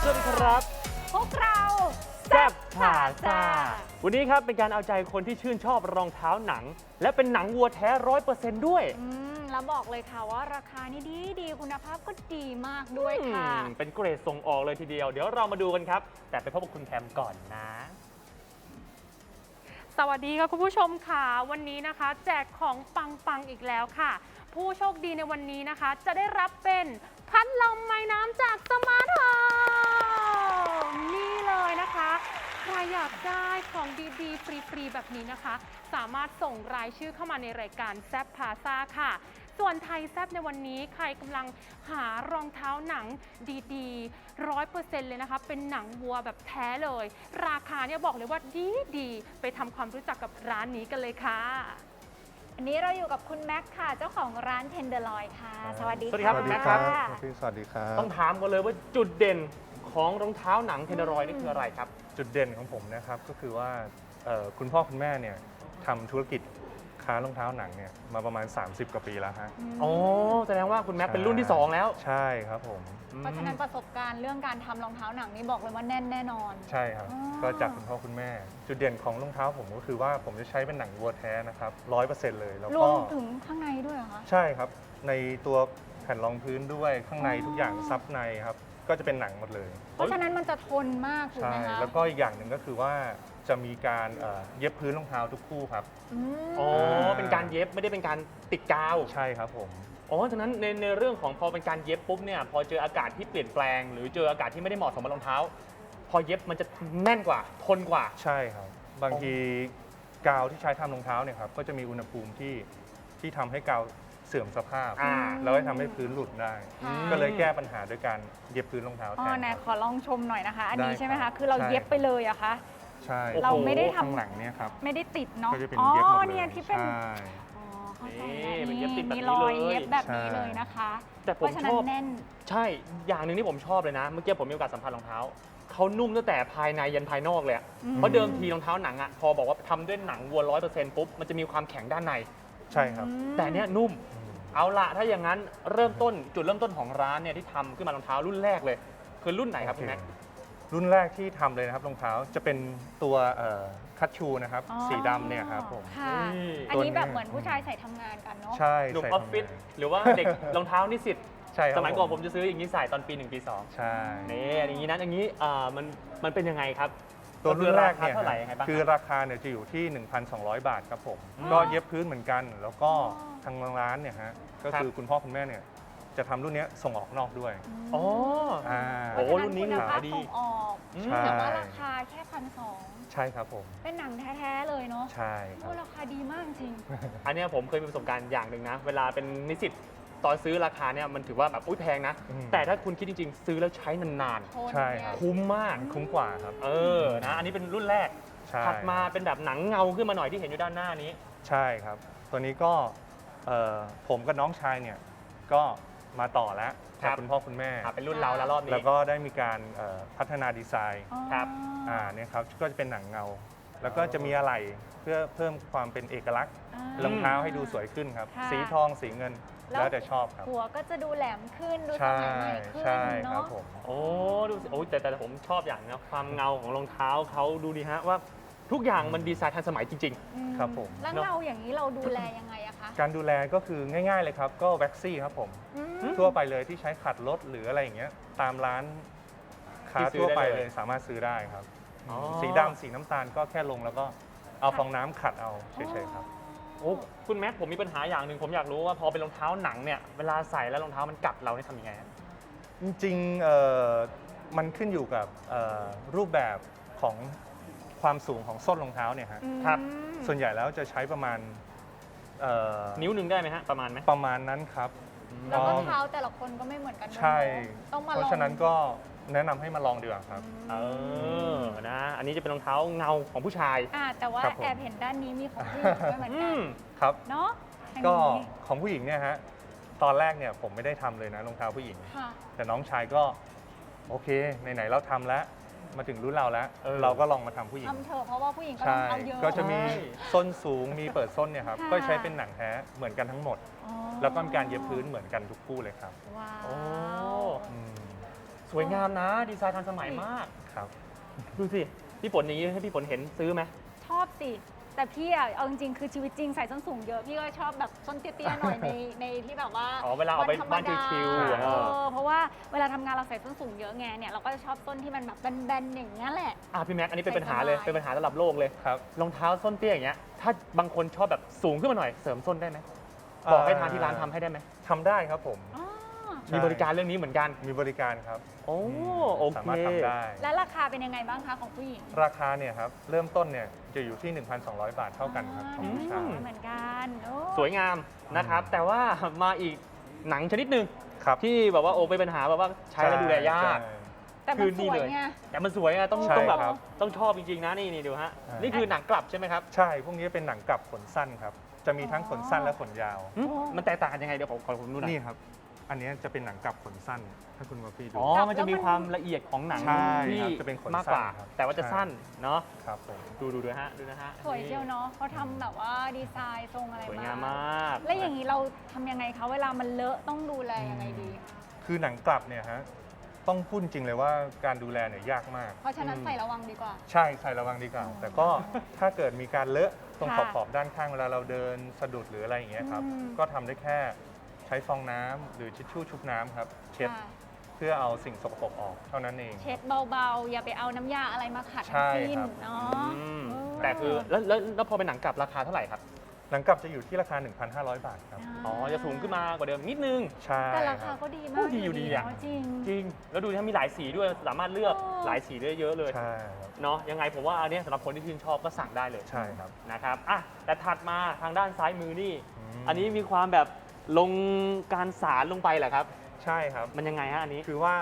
วัสดีครับพวกเราแซ่บผ่าซ่าวันนี้ครับเป็นการเอาใจคนที่ชื่นชอบรองเท้าหนัง และเป็นหนังวัวแท้100%ด้วยแล้วบอกเลยค่ะว่าราคานี่ดีคุณภาพก็ดีมากด้วยค่ะเป็นเกรดส่งออกเลยทีเดียว เดี๋ยวเรามาดูกันครับ แต่ไปพบกับคุณแคมก่อนนะสวัสดีค่ะคุณผู้ชมค่ะวันนี้นะคะ แจกของปังๆอีกแล้วค่ะ ผู้โชคดีในวันนี้นะคะ จะได้รับเป็นพัดลมไม้น้ำจากสมาร์ทโฮมนี่เลยนะคะใครอยากได้ของดีๆฟรีๆแบบนี้นะคะ สามารถส่งรายชื่อเข้ามาในรายการแซบพาซ่าค่ะ ส่วนไทยแซบในวันนี้ใครกำลังหารองเท้าหนังดีๆ100%เลยนะคะเป็นหนังวัวแบบแท้เลย ราคาเนี่ยบอกเลยว่าดีไปทำความรู้จักกับร้านนี้กันเลยค่ะอันนี้เราอยู่กับคุณแม็กซ์ค่ะ เจ้าของร้านเทนเดอร์ลอยค่ะ สวัสดีสวัสดีครับค่ะแม็กซ์ครับพี่สวัสดีครับต้องถามกันเลยว่าจุดเด่นของรองเท้าหนังเทนเดอรอยนี่คืออะไรครับจุดเด่นของผมนะครับก็คือว่าคุณพ่อคุณแม่เนี่ยทำธุรกิจค้ารองเท้าหนังเนี่ยมาประมาณ 30 กว่าปีแล้วฮะอ๋อ แสดงว่าคุณแม็กเป็นรุ่นที่ 2 แล้วใช่ครับผมเพราะฉะนั้นประสบการณ์เรื่องการทำรองเท้าหนังนี่บอกเลยว่าแน่นแน่นอนใช่ครับอ๋อก็จากคุณพ่อคุณแม่ จุดเด่นของรองเท้าผมก็คือว่าผมจะใช้เป็นหนังวัวแท้นะครับ100%เลยแล้วรก็วมถึงข้างในด้วยเหรอคะใช่ครับในตัวแผ่นรองพื้นด้วยข้างในทุกอย่างซับในครับก็จะเป็นหนังหมดเลยเพราะฉะนั้นมันจะทนมากถูกใช่ไหมคะแล้วก็อีกอย่างหนึ่งก็คือว่าจะมีการเย็บพื้นรองเท้าทุกคู่ครับมอ๋อ เป็นการเย็บไม่ได้เป็นการติดกาวใช่ครับผมอ๋อ ฉะนั้นในเรื่องของพอเป็นการเย็บปุ๊บเนี่ย พอเจออากาศที่เปลี่ยนแปลง หรือเจออากาศที่ไม่ได้เหมาะสมกับรองเท้า พอเย็บมันจะแน่นกว่า ทนกว่าใช่ครับ บางทีกาวที่ใช้ทำรองเท้าเนี่ยครับก็จะมีอุณหภูมิที่ทำให้กาวเสื่อมสภาพอ่าแล้วก็ทำให้พื้นหลุดได้ค่ะก็เลยแก้ปัญหาด้วยการเย็บพื้นรองเท้าอ๋แทอน ไหนครับขอลองชมหน่อยนะคะ อันนี้ได้ใช่ไหมครัคะบคือเราใช่เย็บไปเลยอะคะใช่เราไม่ได้ทำข้างหลังเนี่ยครับไม่ได้ติดเนาะก็จะเป็นอ๋อเย็บหมดเลยเนี่ยที่เป็นใช่อ๋อเข้าใจนี่แล้วเป็นเย็บติดแบบนี้มีรอยเลยเย็บแบบนี้ใช่เลยนะคะแต่เพผมราะฉะนั้ชนอบแน่นใช่ อย่างหนึ่งที่ผมชอบเลยนะ เมื่อกี้ผมมีโอกาสสัมผัสรองเท้า เขานุ่มตั้งแต่ภายในยันภายนอกเลยอะอืมเพราะเดิมทีรองเท้าหนังอะพอบอกว่าทำด้วยหนังวัว100%ปุ๊บ มันจะมีความแข็งด้านในใช่ครับแต่เนี้ยนุ่มอืมเอาละถ้าอย่างนั้นเริ่มต้นจุดเริ่มต้นของร้านเนี่ยที่ทำขึ้นมารองเท้ารุ่นแรกเลย คือรุ่นไหนครับคุณแม็กรุ่นแรกที่ทำเลยนะครับรองเท้าจะเป็นตัวคัตชูนะครับอ๋อสีดำเนี่ยครับผมค่ะนี่อันนี้ตัวนี้แบบเหมือนผู้ชายใส่ทำงานกันเนาะใช่หนุ่มใส่ออฟฟิศทำงานหรือว่าเด็ก รองเท้านิสิตใช่ครับสมัยก่อนผมจะซื้ออย่างนี้ใส่ตอนปี 1 ปี 2 ใช่นี่อย่างนี้นะอย่างนี้มันเป็นยังไงครับตัวรุ่นแรกเนี่ยเท่าไหร่ยังไงบ้างคือราคาเนี่ยจะอยู่ที่ 1,200 บาทครับผมอืมก็เย็บพื้นเหมือนกัน แล้วก็อ๋อทางร้านเนี่ยฮะก็ครับคือคุณพ่อคุณแม่เนี่ยจะทำรุ่นเนี้ยส่งออกนอกด้วยอ๋ออ่าโอ้ รุ่นนี้คุณภาพดีส่งออกอืมใช่แต่ว่าราคาแค่1,200 ใช่ครับผมเป็นหนังแท้ๆเลยเนาะใช่ครัโอ้บราคาดีมากจริงอันเนี้ยผมเคยมีประสบการณ์อย่างหนึ่งนะ เวลาเป็นนิสิตตอนซื้อราคาเนี่ยมันถือว่าแบบอุ้ยแพงนะอืมแต่ถ้าคุณคิดจริงๆ ซื้อแล้วใช้นานโทนใช่เนี่ครัยบๆ คุ้มมากคุ้มกว่าครับเออ นะ อันนี้เป็นรุ่นแรกใช่ถัดมาเป็นแบบหนังเงาขึ้นมาหน่อยที่เห็นอยู่ด้านหน้านี้ใช่ครับ ตัวนี้ก็ผมกับน้องชายเนี่ยก็มาต่อแล้วครักับบ คุณพ่อคุณแม่เป็นรุ่นเราแล้วรอบนี้แล้วก็ได้มีการพัฒนาดีไซน์ครับเนี่ยครับก็จะเป็นหนังเงา แล้วก็จะมีอะไหล่เพื่อเพิ่มความเป็นเอกลักษณ์อ่ารองเท้าให้ดูสวยขึ้นครับค่ะสีทองสีเงินแล้วแล้วแต่ชอบครับหัวก็จะดูแหลมขึ้น ดูสใช่มัยใหม่ขึ้นใช่ครัเนาะบผมโอ้ดูสิโอ้ยแต่ผมชอบอย่างนะความเงาของรองเท้าเขาดูดีฮะว่าทุกอย่างมันดีไซน์ทันสมัยจริงอืมครับผมแล้วเงาอย่างนี้เราดูแลยังไงอะคะการดูแลก็คือง่ายๆเลยครับ ก็แว็กซี่ครับผมอืมทั่วไปเลยที่ใช้ขัดรถหรืออะไรอย่างเงี้ยตามร้านค้าที่ซื้อทั่วไปได้เลเลยยสามารถซื้อได้ครับอ๋อสีดำสีน้ำตาลก็แค่ลงแล้วก็เอาฟองน้ำขัดเอาเฉยๆครับๆ โอ้คุณแม็กผมมีปัญหาอย่างหนึ่งผมอยากรู้ว่าพอเป็นรองเท้าหนังเนี่ยเวลาใส่แล้วรองเท้ามันกัดเราเนี่ยทำยังไงฮะจริงๆมันขึ้นอยู่กับรูปแบบของความสูงของส้นรองเท้าเนี่ยฮะครับส่วนใหญ่แล้วจะใช้ประมาณนิ้วนิ้วหนึ่งได้ไหมฮะประมาณไหมประมาณนั้นครับแล้วก็เท้าแต่ละคนก็ไม่เหมือนกันด้วยใช่เนอะต้องมาลองเพราะฉะนั้นก็แนะนำให้มาลองดีกว่าครับเออนะ อันนี้จะเป็นรองเท้าเงาของผู้ชายแต่ว่าครับผมแอบเห็นด้านนี้มีของผู้หญิงด้วยเหมือนอืกันมครับเนาะทางก็นี้ของผู้หญิงเนี่ยฮะตอนแรกเนี่ยผมไม่ได้ทำเลยนะรองเท้าผู้หญิงค่ะแต่น้องชายก็โอเคไหนๆเราทำแล้วมาถึงรุ่นเราแล้วเออเราก็ลองมาทำผู้หญิงทำเถอะเพราะว่าผู้หญิงก็ต้อใช่งเอาเยอะก็จะมีใช่ส้นสูงมีเปิดส้นเนี่ยครับค่ะก็ใช้เป็นหนังแท้เหมือนกันทั้งหมดอ๋อแล้วก็มีการเย็บพื้นเหมือนกันทุกคู่เลยครับว้าโอ้วอืมสวยงามนะ ดีไซน์ทันสมัยมากครับดูสิ พี่ฝนอย่างนี้ให้พี่ฝนเห็นซื้อไหมชอบสิ แต่พี่อะเอาจริงๆคือชีวิตจริงใส่ส้นสูงเยอะพี่ก็ชอบแบบส้นเตี้ยๆหน่อยในที่แบบว่าอ๋อเวลาเอาไปธรรมบ้านดชิวๆเพราะว่าเวลาทำงานเราใส่ส้นสูงเยอะไงเนี่ยเราก็จะชอบส้นที่มันแบบแบนๆอย่างเงี้ยแหละพี่แม็กอันนี้เป็นปัญหาเลยใส่สบายเป็นปัญหาระดับโลกเลยครับรองเท้าส้นเตี้ยอย่างเงี้ย ถ้าบางคนชอบแบบสูงขึ้นมาหน่อย เสริมส้นได้ไหมบอกให้ทางที่ร้านทำให้ได้ไหมทำได้ครับผมอ๋อใช่มีบริการเรื่องนี้เหมือนกันมีบริการครับโอ้มโอเคสามารถทำได้แล้วราคาเป็นยังไงบ้างคะของผู้หญิงราคาเนี่ยครับเริ่มต้นเนี่ยจะอยู่ที่ 1,200 บาทเท่ากันครับของผู้ชายเหมือนกันโอ้สวยงามนะครับ แต่ว่ามาอีกหนังชนิดหนึ่งครับที่แบบว่าโอ้เป็นปัญหาแบบว่าใช้แล้วดูแลยากใช่แต่มันสวยไงแต่มันสวยอะต้องใช่ต้องแบบครับต้องชอบจริงๆนะนี่ดูฮะอ่านี่นี่คือหนังกลับใช่ไหมครับใช่ พวกนี้เป็นหนังกลับขนสั้นครับ จะมีทั้งขนสั้นและขนยาวหึมันแตกต่างกันยังไงเดี๋ยวขอผมดูหน่อยนี่ครับ อันนี้จะเป็นหนังกลับขนสั้น ถ้าคุณมาพี่ดูอ๋อ มันจะมีความละเอียดของหนังใช่ที่ครับจะเป็นขนมากกว่าสั้นครับแต่ว่าจะใช่สั้นเนาะครับผมดูด้วยฮะดูนะฮะสวยเชียวเนาะเขาทำแบบว่าดีไซน์ทรงอะไรสวยงามมากแล้วอย่างนี้เราทำยังไงคะเวลามันเลอะต้องดูแลยังไงดีคือหนังกลับเนี่ยฮะ ต้องพูดจริงเลยว่าการดูแลเนี่ยยากมากเพราะฉะนั้นใส่ระวังดีกว่าใช่ใส่ระวังดีกว่า แต่ก็ถ้าเกิดมีการเลอะตรงขค่ะอบๆด้านข้างเวลาเราเดินสะดุดหรืออะไรอย่างเงี้ยครับอืมก็ทำได้แค่ใช้ฟองน้ำหรือทิชชู่ชุบน้ำครับ เช็ดค่ะเพื่อเอาสิ่งสกปรกออกเท่านั้นเองเช็ดเบาๆ อย่าไปเอาน้ำยาอะไรมาขัดใช่ทั้งสิ้นครับเนาะอืมเออแต่คือแล้วพอเป็นหนังกลับราคาเท่าไหร่ครับหนังกลับจะอยู่ที่ราคา 1,500 บาทครับอ๋อ จะสูงขึ้นมากว่าเดิมนิดนึงใช่แต่ราคคารับก็ดีมาโอ้กดีอยู่ดีอะเนาจริงจริง แล้วดูถ้ามีหลายสีด้วย สามารถเลือกโอ้หลายสีได้เยอะเลยใช่ครับเนาะ ยังไงผมว่าอันเนี้ยสำหรับคนที่ชื่นชอบก็สั่งได้เลยใช่ครับนะครับ อ่ะ แต่ถัดมาทางด้านซ้ายมือนี่มอันนี้มีความแบบลงการสารลงไปเหรอครับใช่ครับมันยังไงฮะอันนี้คือว่า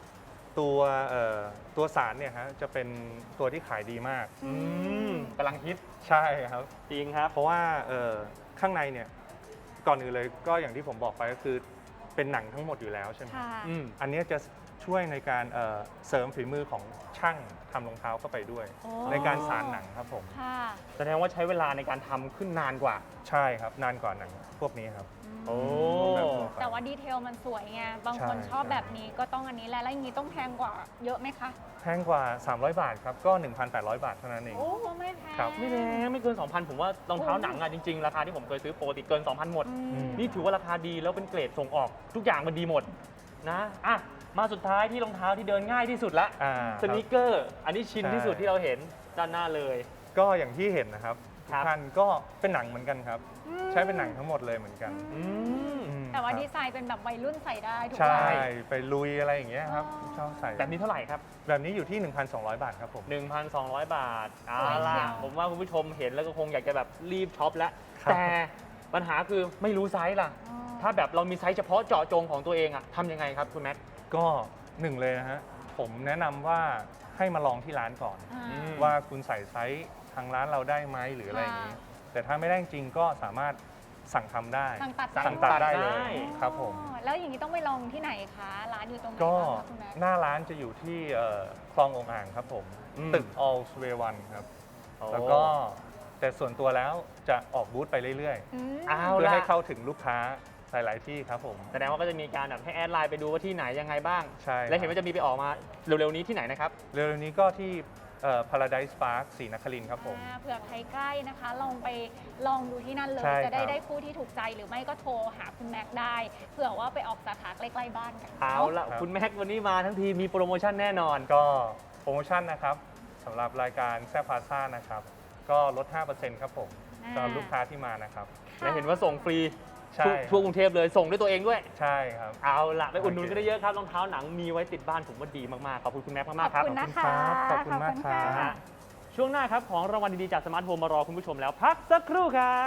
ตัวสารเนี่ยฮะจะเป็นตัวที่ขายดีมากอืมกำลังฮิตใช่ครับจริงครับเพราะว่าข้างในเนี่ยก่อนอื่นเลยก็อย่างที่ผมบอกไปก็คือเป็นหนังทั้งหมดอยู่แล้วใช่ไหมค่ะอืมอันเนี้ยจะช่วยในการเสริมฝีมือของช่างทำรองเท้าเข้าไปด้วยโอ้ในการสานหนังครับผมค่ะแสดงว่าใช้เวลาในการทำขึ้นนานกว่าใช่ครับนานกว่าหนังพวกนี้ครับโอ้แบบทั่วไปแต่ว่าดีเทลมันสวยไง บางคนใช่ชอบใช่แบบนี้ก็ต้องอันนี้แหละแล้วอย่างนี้ต้องแพงกว่าเยอะไหมคะแพงกว่า 300 บาทครับก็ 1,800 บาทเท่านั้นเองโอ้ไม่แพงครับไม่แพงไม่เกิน 2,000 ผมว่ารองเท้าหนังอะจริงๆ ราคาที่ผมเคยซื้อปกติเกิน 2,000 หมดอืมนี่ถือว่าราคาดีแล้วเป็นเกรดส่งออก ทุกอย่างมันดีหมดนะอ่ะมาสุดท้ายที่รองเท้าที่เดินง่ายที่สุดละอ่าสนิเกอร์ อันนี้ชินใช่ที่สุดที่เราเห็นด้านหน้าเลยก็อย่างที่เห็นนะครับครัทุบกท่านก็เป็นหนังเหมือนกันครับ ใช้เป็นหนังทั้งหมดเลยเหมือนกันอืมอืมแต่ว่าครับดีไซน์เป็นแบบวัยรุ่นใส่ได้ถูกใช่ไหมไปลุยอะไรอย่างเงี้ยครับอ๋อชอบใส่แบบนี้เท่าไหร่ครับแบบนี้อยู่ที่ 1,200 บาทครับผม 1,200 บาทเอาสวยเชีล่ะยวผมว่าคุณผู้ชมเห็นแล้วก็คงอยากจะแบบรีบช็อปแล้วครับแต่ปัญหาคือไม่รู้ไซส์ล่ะอ๋อถ้าแบบเรามีไซส์เฉพาะเจาะจงของตัวเองอะทำยังไงครับคุณแม็กก็หนึ่งเลยนะฮะผมแนะนำว่าให้มาลองที่ร้านก่อนอ่าอืมว่าคุณใส่ไซส์ทางร้านเราได้ไหมหรืออะไรอย่างนี้ แต่ถ้าไม่ได้จริงก็สามารถสั่งทำได้สั่งตัดสั่งตัดได้เลได้ยครับผมอ๋อแล้วอย่างนี้ต้องไปลองที่ไหนคะ ร้านอยู่ตรงไหนก็บ้างคะคุณแม็กหน้าร้านจะอยู่ที่คลององอ่างครับผมอืมตึก All Way One ครับ แล้วก็แต่ส่วนตัวแล้วจะออกบูธไปเรื่อยอืมเอาๆ เพื่อล่ะให้เข้าถึงลูกค้าหลายๆที่ครับผมแสดงว่าก็จะมีการแบบให้แอดไลน์ไปดูว่าที่ไหนยังไงบ้างใช่และเห็นว่าจะมีไปออกมาเร็วๆนี้ที่ไหนนะครับเร็วๆนี้ก็ที่Paradise Park ศรีนครินทร์ครับผมเผื่อใครใกล้นะคะ ลองไปลองดูที่นั่นเลยใช่จะได้ครับได้คู่ที่ถูกใจหรือไม่ก็โทรหาคุณแม็กได้เผื่อว่าไปออกสาขาใกล้ๆบ้านกันเอาละครับคุณแม็กวันนี้มาทั้งทีมีโปรโมชั่นแน่นอนก็โปรโมชั่นนะครับสำหรับรายการแซ่บพาซ่านะครับ ก็ลด 5%ครับผมสำหรับลูกค้าที่มานะครับและเห็นว่าส่งฟรีใช่ทั่วกรุงเทพเลยส่งด้วยตัวเองด้วยใช่ครับเอาละไปอุดหนุนโอเคกันได้เยอะครับรองเท้าหนังมีไว้ติดบ้านผมว่าดีมากๆขอบคุณคุณแม็กมากๆครับขอบคุณนะคะขอบคุณมากครับนะฮะช่วงหน้าครับของรางวัลดีๆจากสมาร์ทโฮมมารอคุณผู้ชมแล้วพักสักครู่ครับ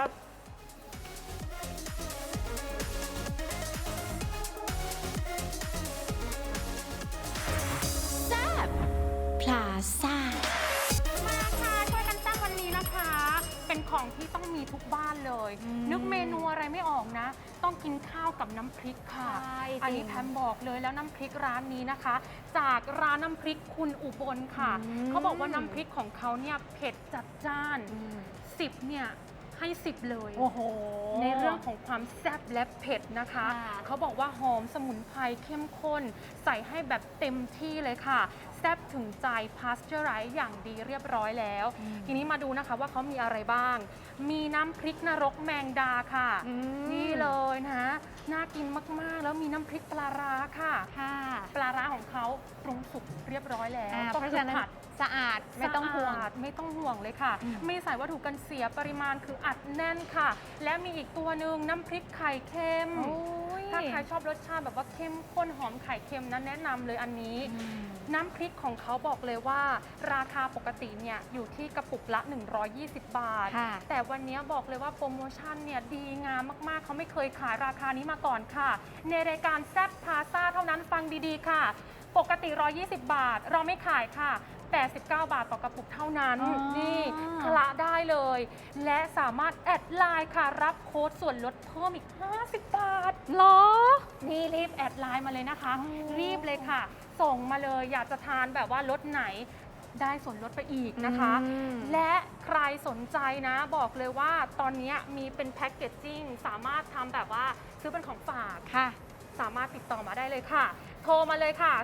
พลาซ่ามาค่ะช่วยกันแซ่บวันนี้นะคะ เป็นของที่ต้องมีทุกบ้านเลย นึกเมนูอะไรไม่ออกนะ ต้องกินข้าวกับน้ำพริกค่ะใช่จริงอันนี้แพมบอกเลยแล้วน้ำพริกร้านนี้นะคะ จากร้านน้ำพริกคุณอุบลค่ะอืมเขาบอกว่าน้ำพริกของเขาเนี่ยเผ็ดจัดจ้าน 10เนี่ยให้ 10 เลยโอ้โหในเรื่องของความแซ่บและเผ็ดนะคะค่ะเขาบอกว่าหอมสมุนไพรเข้มข้น ใส่ให้แบบเต็มที่เลยค่ะ แซ่บถึงใจพาสเจอร์ไรซ์อย่างดีเรียบร้อยแล้ว ทีนี้มาดูนะคะว่าเขามีอะไรบ้าง มีน้ำพริกนรกแมงดาค่ะอืมนี่เลยนะน่ากินมากๆ แล้วมีน้ำพริกปลาร้าค่ะค่ะปลาร้าของเขาปรุงสุกเรียบร้อยแล้วเพก็ราะคืฉะนั้นผัดสะอาดไม่ต้องห่วงสะอาดไม่ต้องห่วงเลยค่ะอืมไม่ใส่วัตถุกันเสียปริมาณคืออัดแน่นค่ะ และมีอีกตัวหนึ่งน้ำพริกไข่เค็มโอ้ยถ้าใครชอบรสชาติแบบว่าเข้มข้นหอมไข่เค็มนั้นแนะนำเลยอันนี้อืมน้ำพริกของเขาบอกเลยว่า ราคาปกติเนี่ยอยู่ที่กระปุกละ 120 บาทค่ะแต่วันนี้บอกเลยว่าโปรโมชั่นเนี่ยดีงามมากๆ เขาไม่เคยขายราคานี้มาก่อนค่ะ ในรายการแซ่บพาซ่าเท่านั้นฟังดีๆค่ะ ปกติ 120 บาท เราไม่ขายค่ะ 89 บาทต่อกระปุกเท่านั้นอ๋อนี่คละได้เลย และสามารถแอดไลน์ค่ะ รับโค้ดส่วนลดเพิ่มอีก 50 บาทเหรอนี่รีบแอดไลน์มาเลยนะคะอ๋อรีบเลยค่ะ ส่งมาเลยอยากจะทานแบบว่ารสไหนได้ส่วนลดไปอีกนะคะอืมและใครสนใจนะบอกเลยว่าตอนนี้มีเป็นแพ็กเกจจิ้งสามารถทำแบบว่าซื้อเป็นของฝากค่ะสามารถติดต่อมาได้เลยค่ะ โทรมาเลยค่ะ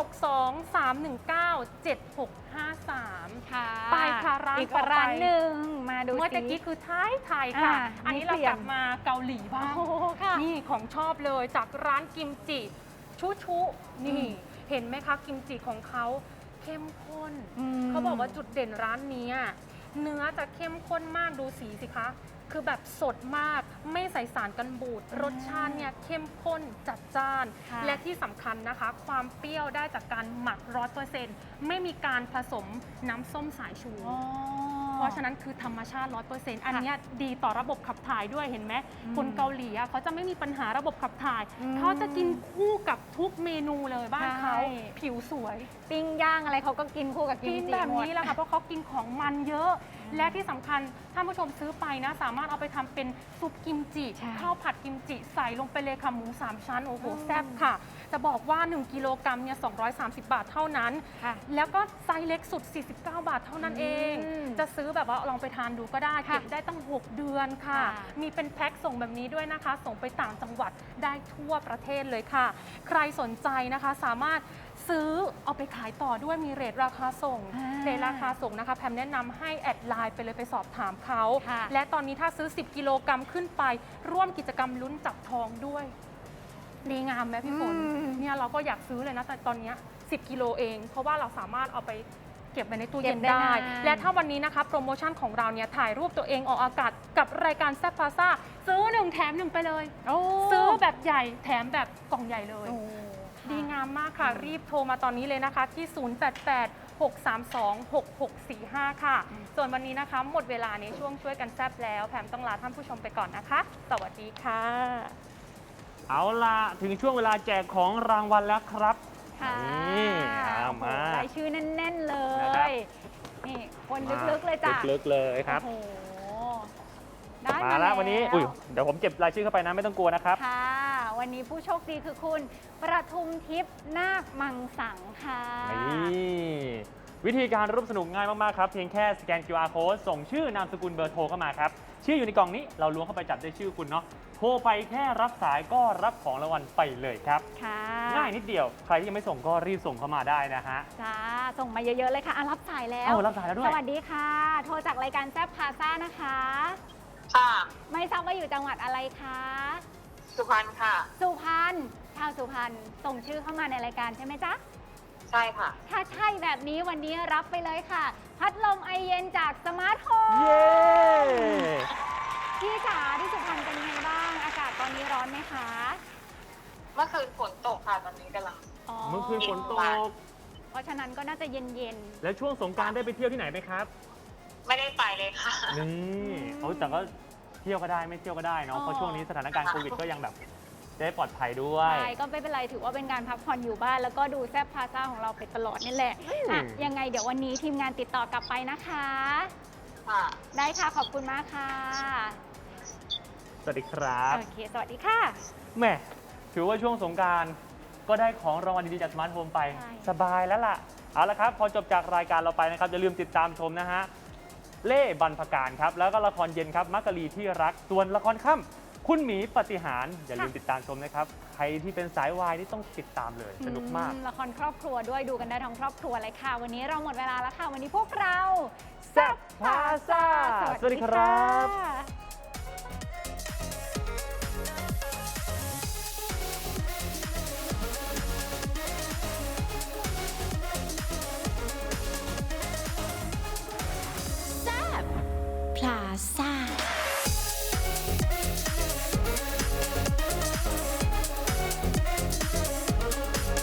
062-319-7653 ค่ะไปค่ะร้านอีกต่อไปร้านหนึ่งมาดูเมื่อสิตะกี้คือไทยค่ะ อันนี้นี่เราเปลี่ยนกลับมาเกาหลีบ้างโอ้โหค่ะนี่ของชอบเลยจากร้านกิมจิชุชุนี่ เห็นไหมคะกิมจิของเขาเข้มข้นมเขาบอกว่าจุดเด่นร้านนี้อะเนื้อจะเข้มข้นมากดูสีสิคะ คือแบบสดมากไม่ใส่สารกันบูดรสชาติเนี่ยเข้มข้นจัดจ้านค่ะและที่สำคัญนะคะ ความเปรี้ยวได้จากการหมัก100%ไม่มีการผสมน้ำส้มสายชูอ๋อเพราะฉะนั้นคือธรรมชาติ 100%อันเนี้ยดีต่อระบบขับถ่ายด้วยเห็นไหมอืมคนเกาหลีอะเขาจะไม่มีปัญหาระบบขับถ่ายอืมเขาจะกินคู่กับทุกเมนูเลยบ้านเขาใช่ผิวสวยปิ้งย่างอะไรเขาก็กินคู่กับกิกิมนจิแบบหมดนี้แหละค่ะเพราะเขากินของมันเยอะ และที่สำคัญท่านผู้ชมซื้อไปนะ สามารถเอาไปทำเป็นซุปกิมจิใช่ข้าวผัดกิมจิใส่ลงไปเลยค่ะหมู 3 ชั้น โอ้โหอืมแซ่บค่ะ จะบอกว่า 1 กิโลกรัมเนี่ย230 บาทเท่านั้นค่ะแล้วก็ไซส์เล็กสุด 49 บาทเท่านั้นเองอืมจะซื้อแบบว่าลองไปทานดูก็ได้ค่ะเก็บได้ตั้ง 6 เดือนค่ะค่ะมีเป็นแพ็คส่งแบบนี้ด้วยนะคะ ส่งไปต่างจังหวัดได้ทั่วประเทศเลยค่ะ ใครสนใจนะคะสามารถซื้อเอาไปขายต่อด้วยมีเรทราคาส่ง เรทราคาส่งนะคะแพมแนะนำให้แอดไลน์ไปเลยไปสอบถามเขาค่ะและตอนนี้ถ้าซื้อ 10 กิโลกรัมขึ้นไป ร่วมกิจกรรมลุ้นจับทองด้วยดีงามไหมพี่ฝนอืมเนี่ยเราก็อยากซื้อเลยนะแต่ตอนเนี้ย10 กิโลเอง เพราะว่าเราสามารถเอาไปเก็บไว้ในตู้เย็นเก็บได้ได้นานและถ้าวันนี้นะคะโปรโมชั่นของเราเนี่ยถ่ายรูปตัวเองออกอากาศกับรายการแซ่บพาซ่าซื้อ1แถม1ไปเลยโอ้ซื้อแบบใหญ่แถมแบบกล่องใหญ่เลยโอ้ดีงามมากค่ะ รีบโทรมาตอนนี้เลยนะคะ ที่ 088-632-6645 ค่ะ ส่วนวันนี้นะคะ หมดเวลาในช่วงช่วยกันแซบแล้ว แพมต้องลาท่านผู้ชมไปก่อนนะคะ สวัสดีค่ะเอาล่ะ ถึงช่วงเวลาแจกของรางวัลแล้วครับค่ะนี่เอามาโอ้โหรายชื่อแน่น ๆ เลนะครับย นี่คนลึก ๆ เลยจ้ะลึกๆเลยครับโอ้โห ได้มาแล้ววันนี้ อุ้ยเดี๋ยวผมเก็บรายชื่อเข้าไปนะไม่ต้องกลัวนะครับค่ะ วันนี้ผู้โชคดีคือคุณประทุมทิพย์นาคมังสังค่ะนี่วิธีการร่วมสนุกง่ายมาก ๆ ครับ เพียงแค่สแกน QR code ส่งชื่อนามสกุลเบอร์โทรเข้ามาครับ ชื่ออยู่ในกล่องนี้เราล้วงเข้าไปจับได้ชื่อคุณเนาะโทรไปแค่รับสายก็รับของรางวัลไปเลยครับค่ะง่ายนิดเดียว ใครที่ยังไม่ส่งก็รีบส่งเข้ามาได้นะฮะจ้า ส่งมาเยอะ ๆ เลยค่ะอ่ะรับสายแล้วเอารับสายแล้วด้วยสวัสดีค่ะ โทรจากรายการแซบพาซ่านะคะค่ะไม่ทราบว่าอยู่จังหวัดอะไรคะสุพรรณค่ะสุพรรณ ชาวสุพรรณ ส่งชื่อเข้ามาในรายการใช่ไหมจ๊ะใช่ค่ะถ้าใช่แบบนี้วันนี้รับไปเลยค่ะ พัดลมไอเย็นจากสมาร์ทโฮมเย้พี่จ๋าที่สุพรรณเป็นไงบ้าง อากาศตอนนี้ร้อนไหมคะเมื่อคืนฝนตกค่ะ ตอนนี้กำลังเมื่อคืนฝนตกเพราะฉะนั้นก็น่าจะเย็นแล้วช่วงสงกรานต์ได้ไปเที่ยวที่ไหนไหมครับไม่ได้ไปเลยค่ะนี่เอาแต่ก็เที่ยวก็ได้ไม่เที่ยวก็ได้เนาะ เพราะช่วงนี้สถานการณ์โควิดก็ยังแบบได้ปลอดภัยด้วๆยใช่ก็ไม่เป็นไรถือว่าเป็นการพักผ่อนอยู่บ้าน แล้วก็ดูแซบพาซ่าของเราไปตลอดนี่แหละอ่ะยังไงเดี๋ยววันนี้ทีมงานติดต่อกลับไปนะคะค่ะได้ค่ะขอบคุณมากค่ะสวัสดีครับโอเค สวัสดีค่ะแหม่ถือว่าช่วงสงกรารก็ได้ของรางวัลดีๆจากสมาร์ทโฮมไปใช่สบายแล้วล่ะ เอาละครับ พอจบจากรายการเราไปนะครับอย่าลืมติดตามชมนะฮะเล่บรรพการครับแล้วก็ละครเย็นครับมักกะลีที่รักส่วนละครค่ำคุณหมีปฏิหารอย่าลืมติดตามชมนะครับใครที่เป็นสายวายนี่ต้องติดตามเลยสนุกมากละครครอบครัวด้วยดูกันได้ทั้งครอบครัวเลยค่ะ วันนี้เราหมดเวลาแล้วค่ะ วันนี้พวกเราแซ่บพาซ่าสวัสดีครับพลาซ่า